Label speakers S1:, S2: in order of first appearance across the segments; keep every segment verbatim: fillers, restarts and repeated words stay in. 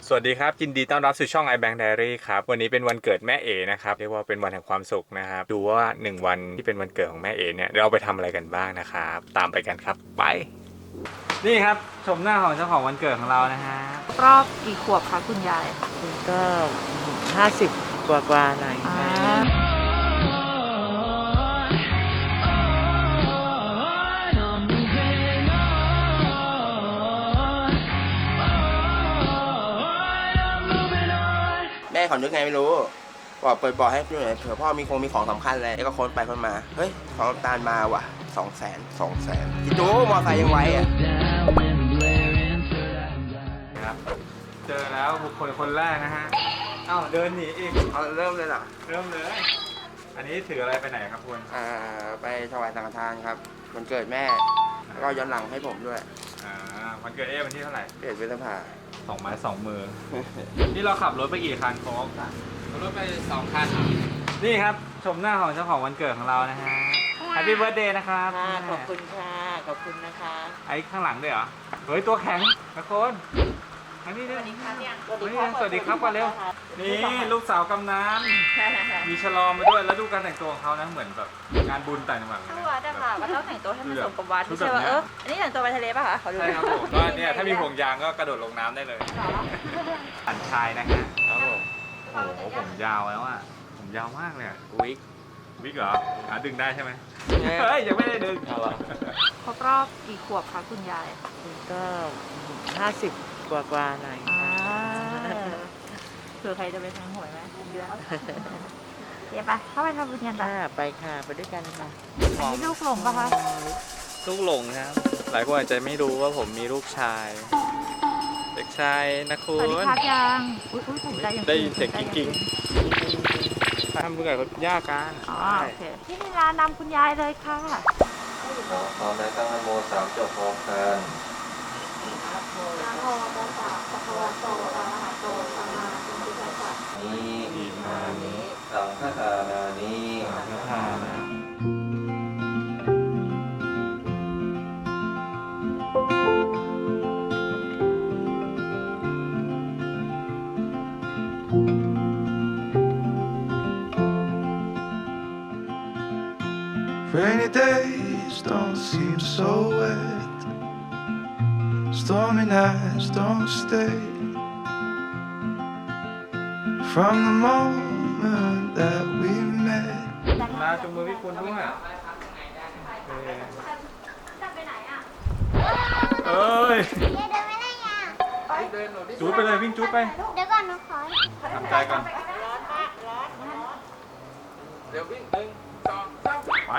S1: สวัสดีครับยินดีต้อนรับสู่ช่อง iBank Diary ครับวันนี้เป็นวันเกิดแม่เอนะครับเรียกว่าเป็นวันแห่งความสุขนะครับดูว่าหนึ่งวันที่เป็นวันเกิดของแม่เอเนี่ยเราไปทำอะไรกันบ้างนะครับตามไปกันครับไปนี่ครับชมหน้าของเจ้าของวันเกิดของเรานะฮะ
S2: รอบกี่ขวบคะคุณยาย
S3: ก็ห้าสิบกว่ากว่าหน่อย
S4: แม่เขานึกไงไม่รู้บอกเปิดบอกให้ดูหน่อยเผื่อพ่อมีคงมีของสำคัญเลยแล้วก็ค้นไปค้นมาเฮ้ยของน้ำตาลมาว่ะสองแสนสองแสนคิดดูมอไซค์ยังไวอ่ะ
S1: ครับเจอแล้วบุคคลคนแรกนะฮะเอ้าเดินหนีอีก
S4: เอาเริ่มเลยเหรอ
S1: เริ่มเลยอันนี้ถืออะไรไปไหนครับคุณ
S4: อ่าไปถวายสังฆทานครับวันเกิดแม่แล้วก็ย้อนหลังให้ผมด้วย
S1: อ่าวันเกิดเอ๊วันที่เท่าไหร่
S4: เกิดพฤษภา
S1: สองไม้สองมือ นี่เราขับรถไปกี่คันโค้กรถไปสองคันนี่ครับชมหน้าของเจ้าของวันเกิดของเรานะฮะ Happy Birthday นะครับ
S3: ขอบคุณค่ะขอบคุณนะคะ
S1: ไอ้ข้างหลังด้วยเหรอเฮ้ยตัวแข็งนะคนอันนี้ด้วยสวัสดีครับก่อนเร็วนี่ลูกสาวกำนันมีฉลอมมาด้วยแล้วดูการแต่งตัวของเขานะเหมือนแบบงานบุญต่างจังหวัดเลย
S2: นะวัดอะค่ะก็ต้องแต่งตัวให้มันสมกับวัดไม่ใช่ว่าเอออันนี้แต่งตัวไปทะเลป่ะคะขอดู
S1: ใช่ครับผมก็เนี่ยถ้ามีห่วงยางก็กระโดดลงน้ำได้เลยอันชายนะฮะครับผมโอ้โหผมยาวแล้วอ่ะผมยาวมากเลยวิกวิกเหรอหาดึงได้ใช่ไหมเฮ้ยยังไม่ได้ดึง
S2: ครบรอบกี่ขวบคะคุณยาย
S3: ก็ห้าสิบกว่ากว่าหน่อย
S2: เผื่อใครจะไปทางหวยไหมเดือนเดี๋ยวไปเข้าไปทำบุญกันต่อ
S3: ไปค่ะไปด้วยกันค่ะ
S2: อันนี้ลูกหลงปะคะ
S1: ลูกหลงครับหลายคนอาจจะไม่รู้ว่าผมมีลูกชายเด็กชายนะคุณ
S2: สวัสดีครับยังอุ้ยอุ้ยผมได้ยัง
S1: ได้ยินเสียงกิ๊งๆทำบุญกับคุณย่ากัน
S2: อ๋อโอเคที่นี่ร้านนำคุณยายเลยค่ะ
S5: พร้อมแล้วตั้งนโมสามจบพร้อมกันนี่อิมานิสังฆทานานิสังฆทานา
S6: Rainy days don't seem so wet. Stormy nights don't stay. From the moment that we met.
S1: มาจุงมือพี่คุณด้วยเอ้ยจูดไปเลยวิ่งจูดไป
S7: เดี๋ยวก่อนนะขอ
S1: ทำใจก่อน
S4: เดี๋ยววิ่งหนึ่งสองสาม
S1: ไป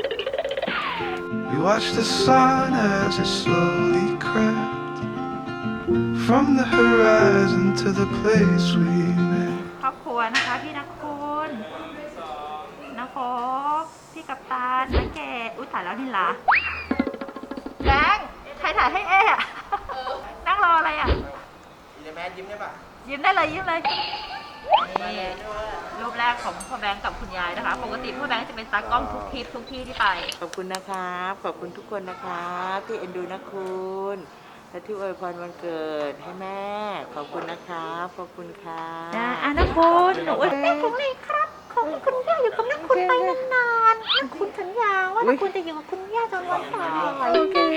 S6: We watched the sun as it slowly crept from the horizon to the place we met.
S2: ครอบครัวนะคะพี่นักคุณนักโคพี่กัปตันนักเกดอุ้ยถ่ายแล้วนี่ล่ะแบงค์ใครถ่ายให้เอ๊ะนั่งรออะไรอ่ะ
S4: ยิ้มแม่ยิ้มได้ปะ
S2: ยิ้มได้เลยยิ้มเลยนี่รูปแรกของพ่อแบงค์กับคุณยายนะคะปกติพ่อแบงค์จะเป็นตากล้องทุกทริปทุกที่ที่ไป
S3: ขอบคุณนะครับขอบคุณทุกคนนะครับที่เอ็นดูนะคุณและที่อวยพรวันเกิดให้แม่ขอบคุณนะครับขอบคุณค่ะ
S2: อ่ะนักคุณหนูอวยพรของเลยครับของคุณย่าอยู่กับนักคุณไปนานๆนักคุณสัญญาว่านักคุณจะอยู่กับคุณย่าจนวันตายโอเค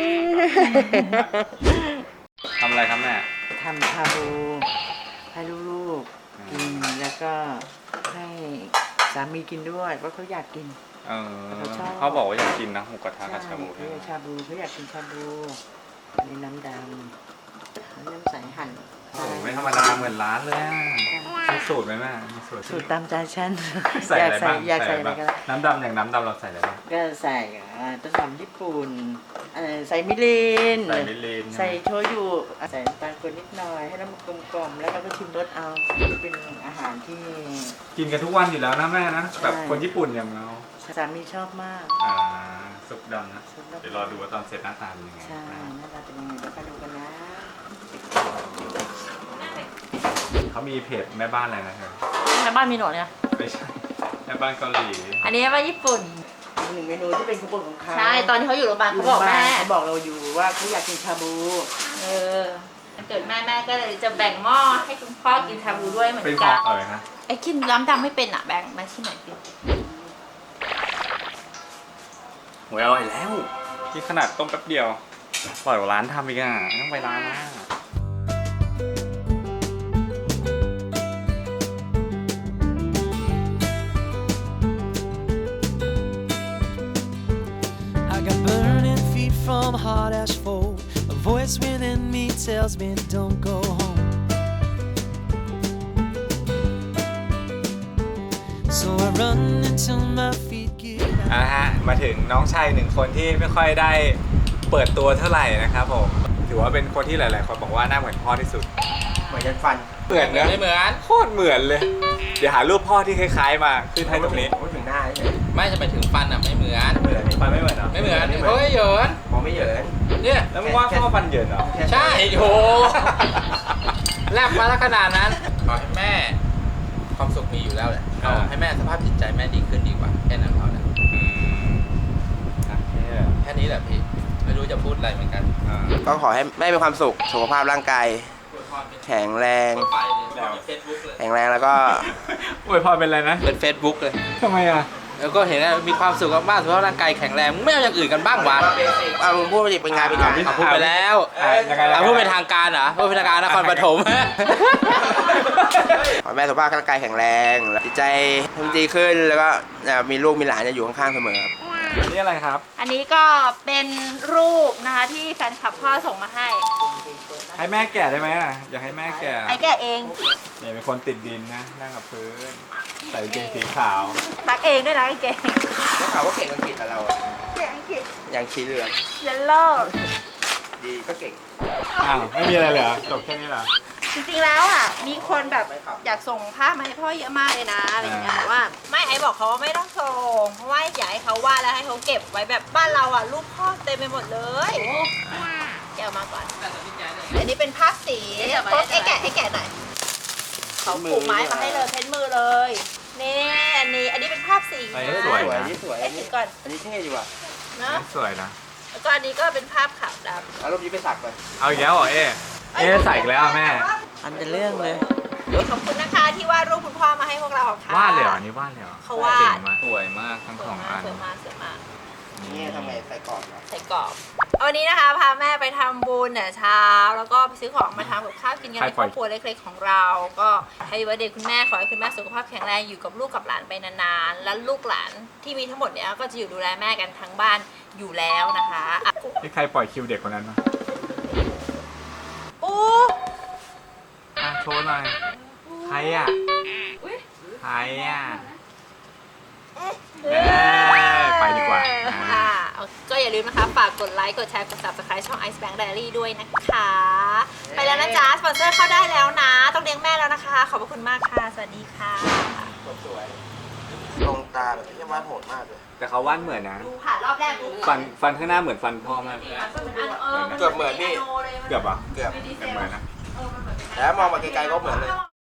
S1: ทำอะไรครับแม่
S3: ทำชาบูให้ลูกๆกินแล้วก็ให้สามีกินด้วยเพราะเขาอยากกิน
S1: เออเขาบอกว่าอยากกินนะหมูกระทะกับชาบู
S3: เขาอยากชาบูเขาอยากกินชาบูมีน้ำดำน้ำใสหั่น
S1: โอ้ไม่ธรรมดาเหมือนร้านเลยมีสูตรไหมแม่มีสูตร
S3: สูตรตามใจฉัน
S1: ใส่อะไรบ้างอยากใส่อะไรกันน้ำดำอย่างน้ำดำเราใส่อะไรบ้าง
S3: ก็ใส่ต้นหอมญี่ปุ่นใส่มิริน
S1: ใส่มิริน
S3: ใส่โชยุใส่น้ำตาลคนนิดหน่อยให้น้ำกลมๆแล้วเราก็ชิมรสเอาเป็นอาหารที่
S1: กินกันทุกวันอยู่แล้วนะแม่นะแบบคนญี่ปุ่นอย่างเรา
S3: สามีชอบมาก
S1: อ่าซุปดำนะเดี๋ยวรอดูว่าตอนเสร็จหน้าตาเป็นยังไง
S3: ใช่หน้าตาเป็นยังไงเดี๋ยวไปดูกันนะ
S1: เขามีเพจแม่บ้านอะไรนะเธอ
S2: แม่บ้านมีหนวดเนี่ย
S1: ไม่ใช่แม่บ้านเกาหลี
S2: อันนี้แม่บ้านญี่ปุ่น
S3: หนึ่งเมนูที่เป็นขบวนของเขา
S2: ใช่ตอนที่เขาอยู่โรงพยาบาลเขาบอกแม่
S3: เขาบอกเราอยู่ว่าเขาอยากกินชาบู
S2: เออเกิดแม่แม่ก็เลยจะแบ่งหม้อให้คุณพ่อกินชาบูด้วยเหมือน
S1: เป็นข
S2: กั
S1: อง
S2: น
S1: เอ่ยนะ
S2: ไอ้กินน้ำดำไม่เป็นอ่ะแบ่งมาชิมหน่อยสิ
S1: โหยอร่อยแล้วที่ขนาดต้มแป๊บเดียวอร่อยกว่าร้านทำอีกอ่ะไม่ต้องไปร้านนะ
S7: I got burning feet from hard asphalt. A voice within me tells me don't go home. So I run until my feet give out.
S1: อ่ะฮะมาถึงน้องชายหนึ่งคนที่ไม่ค่อยได้เปิดตัวเท่าไหร่นะครับผมถือว่าเป็นคนที่หลายๆคนบอกว่าหน้าเหมือนพ่อที่สุด
S4: เหมือนยันฟัน
S1: เหมือนนะ
S5: ไม่เหมือน
S1: โคตรเหมือนเลย เดี๋ยวหารูปพ่อที่คล้ายๆมาขึ้นให้ตรงนี้
S4: โอ้ถึงหน้าเลย
S5: ไม่จะไปถึงฟันอ่ะไม่เหมือน
S4: เหมือน
S1: ฟันไม่เหมือนเหรอ
S5: ไม่เหมือนเฮ้ยเหยิน
S4: มองไม่เหยิน
S5: เนี่ย
S1: แล้วมึงว่าพ่อฟันเหยินเหรอ
S5: ใช่โหแลบมาแล้วขนาดนั้นขอให้แม่ความสุขมีอยู่แล้วแหละขอให้แม่สภาพจิตใจแม่ดีขึ้นดีกว่าแค่นั้นพอแล้ว
S1: อืมอ่ะแค่นี้แหละ
S5: แค่นี้แหละพี่ไม่รู้จะพูดอะไรเหมือนกัน
S1: อ่า
S4: ก็ขอให้แม่มีความสุขสุขภาพร่างกายแข็งแรง
S5: ไปเลยเฟซบุ๊กเลย
S4: แข็งแรงแล้วก็
S1: อวยพรเป็นอะไรนะ
S5: เป็นเฟซบุ๊กเลย
S1: ทำไมอ่ะ
S5: แล้วก็เห็นว่ามีความสุขมากๆสุขภาพร่างกายแข็งแรงมึงไม่เอาอย่างอื่นกันบ้างวะ
S4: เอามึงพูดไปดิเป็นงานเป็นการ
S5: อ่ะพูดไปแล้ว
S1: อ่ะยังไง
S5: อ่ะพูดเป็นทางการเหรอพูดเป็นทางการนครปฐม
S4: ขอให้แม่สุขภาพร่างกายแข็งแรงจิตใจดีขึ้นแล้วก็มีลูกมีหลานจะอยู่ข้างๆเสมอครับ
S1: นี่อะไรครับ
S2: อันนี้ก็เป็นรูปนะคะที่แฟนคลับพ่อส่งมาให้
S1: ให้แม่แก่ได้ไหมอ่ะอยากให้แม่แก่
S2: ไอ้แกเอง
S1: เนี่ยเป็นคนติดดินนะนั่งกับพื้นใส่กางเกงสีขาว
S2: ซักเองด้วยนะไอ้แก
S4: ได้ข่าวว่าเก่งอังกฤษกับเราอะ
S2: เก่งอังกฤษ
S4: อย่างชีเหลือง
S2: เยลโล่
S4: ดีก็เก่ง
S1: อ้าวไม่มีอะไรเลยเหรอจบแค่นี้เหรอ
S2: จริงๆแล้วอ่ะมีคนแบบอยากส่งภาพมาให้พ่อเยอะมากเลยนะอะไรอย่างเงี้ยแต่ว่าไม่ไอ้บอกเขาว่าไม่ต้องส่งเพราะว่าอยากให้เขาวาดแล้วให้เขาเก็บไว้แบบบ้านเราอ่ะรูปพ่อเต็มไปหมดเลยแกะออกมาก่อนอันนี้เป็นภาพสีโต๊ะไอ้แกะไอ้แกะหน่อยเขาปลูกไม้มาให้เลยเพ้นมือเลยนี่อันนี้อันนี้เป็นภาพสี
S1: อัน
S2: นะ
S1: นี้สวย
S4: สวย
S1: นะ
S4: นี่สวย
S2: ไอ้ถือก่อน
S4: อันนี้เท่ดีว่ะ
S2: เนาะ
S1: สวยนะ
S2: แล้วก็อันนี้ก็เป็นภาพขาวดำ
S4: เอารูปนี้ไปสักก่อน
S1: เอาอีกแล้วเหรอเอ๊ะเอ๊ะใส่อีกแล้วแม่
S3: อันเป็นเรื่องเลย
S2: ขอบคุณนะคะที่วาดรูปคุณพ่อมาให้พวกเราค่ะ
S1: วาดเลยเหรออันนี้วาดเลยเหรอ
S2: เขาวาด
S1: เจ๋งมากสวยมากทั้ง
S2: ส
S1: ส
S2: ว
S1: อย ง
S2: มา
S1: อั
S2: ก
S1: น
S2: สวยมากสวยมาก
S4: นี่ทำไมใส่กรอบเหรอ
S2: ใส่กรอบวันนี้นะคะพาแม่ไปทำบุญแต่เช้า แล้วก็ไปซื้อของมาทำกับข้าวกินกันในครอบครัวเล็กๆของเรา ก็ให้วันเด็กคุณแม่ขอให้คุณแม่สุขภาพแข็งแรงอยู่กับลูกกับหลานไปนานๆ และลูกหลานที่มีทั้งหมดเนี้ยก็จะอยู่ดูแลแม่กันทั้งบ้านอยู่แล้วนะคะอ่ะ
S1: นี่ใครปล่อยคิวเด็กคนนั้นมา
S2: ปู
S1: อ่ะโชว์หน่อยใครอ่ะใครอ่ะ เอ้ยไปดีกว่าอ่า
S2: อ่าก็อย่าลืมนะคะ ฝากกดไลค์ กดแชร์ กด Subscribe ช่อง Ice Bank Diary ด้วยนะคะ ไปแล้วนะจ๊ะ สปอนเซอร์เข้าได้แล้วนะ ต้องเลี้ยงแม่แล้วนะคะ ขอบพระคุณมากค่ะ สวัสดีค่ะ
S4: สวยตรงตาแบบที่วาดโหดมากเลย
S1: แต่เขาวาดเหมือนนะ
S2: ดูผ่านรอบแรกปุ๊บ
S1: ฟันฟันข้างหน้าเหมือนฟันพ่อมาก
S4: เกือบเหมือนพี่
S1: เกือบอ่ะ
S4: เกือบ
S1: เกือบเหมือนนะ
S4: แล้วมองมาไกลๆก็เหมือนเลย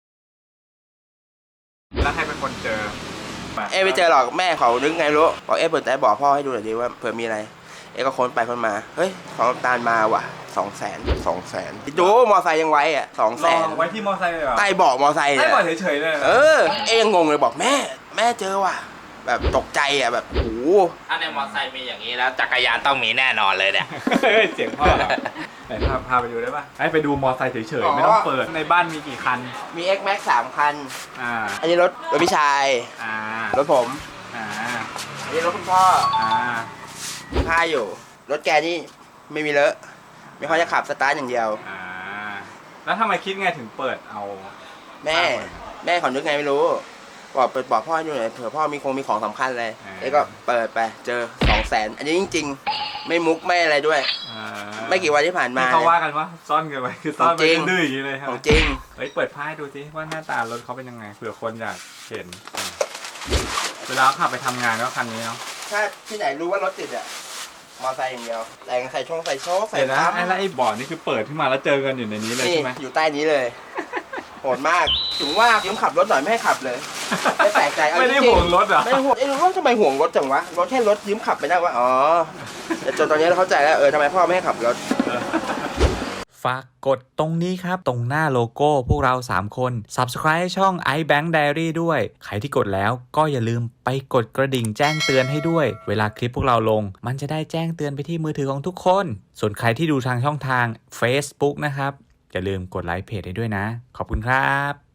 S1: แล้วใครเป็นคนเจอ
S4: เอ๊ะไม่เจอหรอกแม่เขานึกไงรู้บอกเอ๊ะเปิดใจบอกพ่อให้ดูหน่อยดิว่าเผื่อมีอะไร เอ๊ะก็ค้นไปค้นมาเฮ้ยของน้ำตาลมาว่ะสองแสนสองแสนดูมอไซค์ยังไว้อ่ะสองแสน
S1: ไว้ที่มอไซค์เลยเหรอ
S4: ใต้เบาะมอไซค์
S1: ใต้
S4: เนี่ย
S1: เบาะเฉยๆเลย
S4: เออเอ๊ะยังงงเลยบอกแม่แม่เจอว่ะแบบตกใจอ่ะแบบโอ้โห
S5: ถ้าในมอเตอร์ไซค์มีอย่างนี้แล้วจักรยานต้องมีแน่นอนเลยเนี่ย
S1: เฮ้ยเสียงพ่อเหรอไหนพาพาไปดูได้ป่ะให้ไปดูมอไซค์เฉยๆไม่ต้องเปิดในบ้านมีกี่คัน
S4: มี X Max สามคัน
S1: อ่า
S4: อันนี้รถรถพี่ชาย
S1: อ่าร
S4: ถผม
S1: อ่า
S4: อันนี้รถคุณพ่อ
S1: อ่า
S4: ผ้าอยู่ รถแกนี่ไม่มีเลอะไม่ค่อยจะขับสตาร์ทอย่างเดียว
S1: อ่าแล้วทำไมคิดไงถึงเปิดเอา
S4: แม่แม่เขานึกไงไม่รู้บอกเปิดบอกพ่อให้ดูหน่อยเผื่อพ่อมีคงมีของสำคัญเลย
S1: อ่า
S4: เอ้ก็เปิดไปเจอสองแสนอันนี้จริง ๆ ไม่มุกไม่อะไรด้วย
S1: อ่า
S4: ไม่กี่วันที่ผ่านมา
S1: ที่เขาว่ากันว่าซ่อนกันไว้คือซ่อน
S4: ของจริ
S1: ไว้
S4: ง
S1: ดื้อๆอย่างนี้เลยครั
S4: ข
S1: บ
S4: องจริง
S1: เฮ้ยเปิดผ้าให้ดูสิว่าหน้าตารถเขาเป็นยังไงเผื่อคนอยากเห็นอ่าเวลาเขาขับไปทำงานก็คันนี้เนาะ
S4: ถ้าที่ไหนรู้ว่ารถติดอะมอไซค์อย่างเดียวแต่งใส่ช่องใส่โชคใส่
S1: เดี๋ยวนะ
S4: ปั๊ม
S1: ไอ้แล้วไอ้บอร์ดนี่คือเปิดขึ้นมาแล้วเจอกันอยู่ในนี้เลย
S4: นี่
S1: ใช่ไหม
S4: อยู่ใต้นี้เลย โหดมากถึงว่ายืมขับรถหน่อยไม่ให้ขับเลย ไม่แปลกใจเอา
S1: ไม่ได้
S4: จริงๆ
S1: ห่วงรถเหรอ
S4: ไม่ห่วงไอ้รู้ว่าทำไมห่วงรถจังวะรถแค่รถยืมขับไปได้วะอ๋อแต่จนตอนนี้เราเข้าใจแล้วเออทำไมพ่อไม่ให้ขับรถ
S1: ฝากกดตรงนี้ครับตรงหน้าโลโก้พวกเราสามคน Subscribe ช่อง iBank Diary ด้วยใครที่กดแล้วก็อย่าลืมไปกดกระดิ่งแจ้งเตือนให้ด้วยเวลาคลิปพวกเราลงมันจะได้แจ้งเตือนไปที่มือถือของทุกคนส่วนใครที่ดูทางช่องทาง Facebook นะครับอย่าลืมกดไลค์เพจให้ด้วยนะขอบคุณครับ